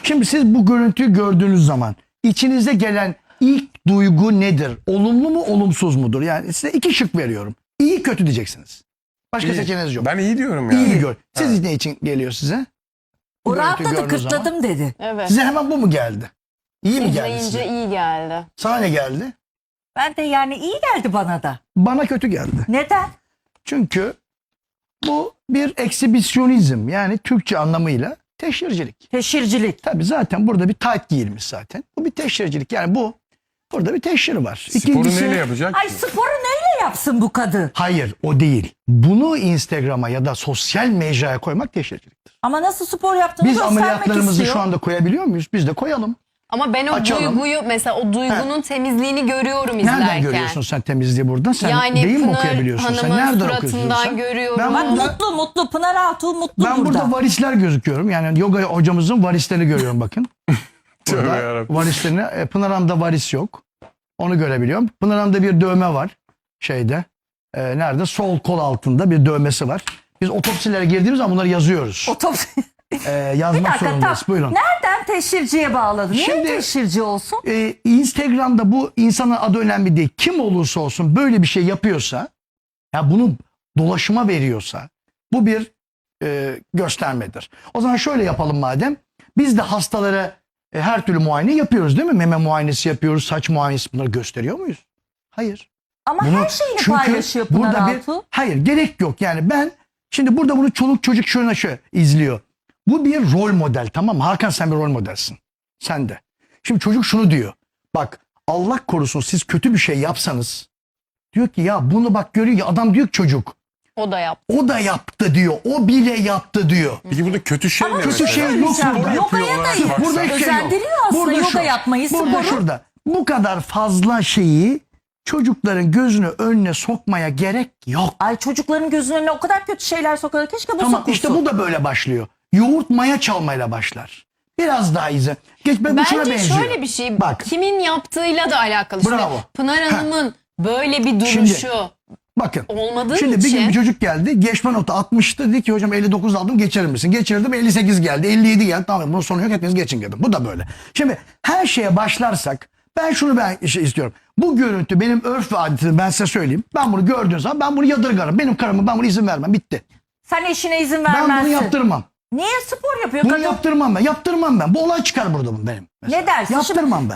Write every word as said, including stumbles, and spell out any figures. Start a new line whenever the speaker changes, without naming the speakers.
Şimdi siz bu görüntüyü gördüğünüz zaman içinize gelen ilk duygu nedir? Olumlu mu, olumsuz mudur? Yani size iki şık veriyorum. İyi, kötü diyeceksiniz. Başka
İyi.
seçeneğiniz yok.
Ben iyi diyorum yani.
İyi gör. Siz
Evet.
ne için geliyor size? Bu
O
görüntüyü
rahatladı,
gördüğünüz zaman.
kırtladım dedi.
Evet.
Size hemen bu mu geldi? İyi mi geldi
İzleyince
size?
iyi geldi.
Sana ne geldi?
Ben de yani iyi geldi bana da.
Bana kötü geldi.
Neden?
Çünkü bu bir eksibisyonizm, yani Türkçe anlamıyla teşhircilik.
Teşhircilik.
Tabii zaten burada bir tayt giyilmiş zaten. Bu bir teşhircilik, yani bu burada bir teşhir var.
Sporu neyle yapacak?
Ay sporu neyle yapsın bu kadın?
Hayır, o değil. Bunu Instagram'a ya da sosyal mecraya koymak teşhirciliktir.
Ama nasıl spor yaptığını
Biz
göstermek
ameliyatlarımızı
istiyor.
şu anda koyabiliyor muyuz? Biz de koyalım.
Ama ben o
Açalım.
duyguyu mesela o duygunun temizliğini görüyorum izlerken.
Nereden görüyorsun sen temizliği burada? Sen
Yani
değil mi
Pınar
okuyabiliyorsun? Sen
Hanım'ın
nereden
suratından
okuyorsun sen?
görüyorum.
Ben
Bak
burada,
mutlu mutlu Pınar Altuğ mutlu
ben
burada.
burada varisler gözüküyorum. Yani yoga hocamızın varislerini görüyorum bakın.
Tövbe
Burada
yarabbim.
varislerini, e, Pınar Hanım'da varis yok. Onu görebiliyorum. Pınar Hanım'da bir dövme var. Şeyde. e, nerede? Sol kol altında bir dövmesi var. Biz otopsilere girdiğimiz zaman bunları yazıyoruz.
Otopsi.
E, yazmak
Bir dakika,
zorundayız.
tam-
Buyurun.
Nereden teşhirciye bağladın? Niye
Şimdi-
teşhirci olsun?
e, Instagram'da bu insanın adı önemli değil. Kim olursa olsun böyle bir şey yapıyorsa, ya bunu dolaşıma veriyorsa, bu bir e, göstermedir. O zaman şöyle yapalım madem. Biz de hastalara e, her türlü muayene yapıyoruz değil mi? Meme muayenesi yapıyoruz, saç muayenesi, bunları gösteriyor muyuz? Hayır.
Ama
Bunu-
her şeyini
çünkü
paylaşıyor Pınar
burada bir,
Altuğ.
hayır, gerek yok. Yani ben şimdi burada bunu çoluk çocuk şöyle şöyle izliyor. Bu bir rol model, tamam mı? Hakan, sen bir rol modelsin. Sen de. Şimdi çocuk şunu diyor. Bak, Allah korusun siz kötü bir şey yapsanız, diyor ki ya bunu bak görüyor ya, adam diyor ki çocuk
O da yaptı.
o da yaptı diyor. O bile yaptı diyor.
Peki burada kötü şey
Ama
ne
kötü
mesela?
şey yok
Spor
burada.
yapıyor
Yogaya
olarak
da
baksan.
Burada hiçbir şey yok.
özendiriyor aslında yoga
şu,
yapmayı,
Burada
sporu.
şurada. Bu kadar fazla şeyi çocukların gözünü önüne sokmaya gerek yok.
Ay çocukların gözünün önüne o kadar kötü şeyler sokuyor. Keşke bu
Tamam,
sokulsun.
işte bu da böyle başlıyor. Yoğurt maya çalmayla başlar. Biraz daha izle. Geç, ben bu şuna
Bence
benziyor.
şöyle bir şey.
Bak.
Kimin yaptığıyla da alakalı. Şimdi
Bravo.
Pınar Hanım'ın böyle bir duruşu
Şimdi, Bakın.
olmadığı
Şimdi bir
için.
gün bir çocuk geldi. Geçme notu altmıştı. Dedi ki hocam elli dokuz aldım, geçirir misin? Geçirdim, elli sekiz geldi. elli yedi geldi. Tamam, bunun sonu yok, hepiniz geçin dedim. Bu da böyle. Şimdi her şeye başlarsak ben şunu ben şey istiyorum. Bu görüntü benim örf ve adetimi ben size söyleyeyim. Ben bunu gördüğüm zaman ben bunu yadırgarım. Benim karımı ben bunu izin vermem. Bitti.
Sen eşine izin
Ben
vermezsin.
bunu yaptırmam.
Niye spor yapıyor
Bunu
kadın?
yaptırmam ben. Yaptırmam ben. Bu olay çıkar burada benim. mesela.
Ne dersin? Şimdi-
Yaptırmam ben.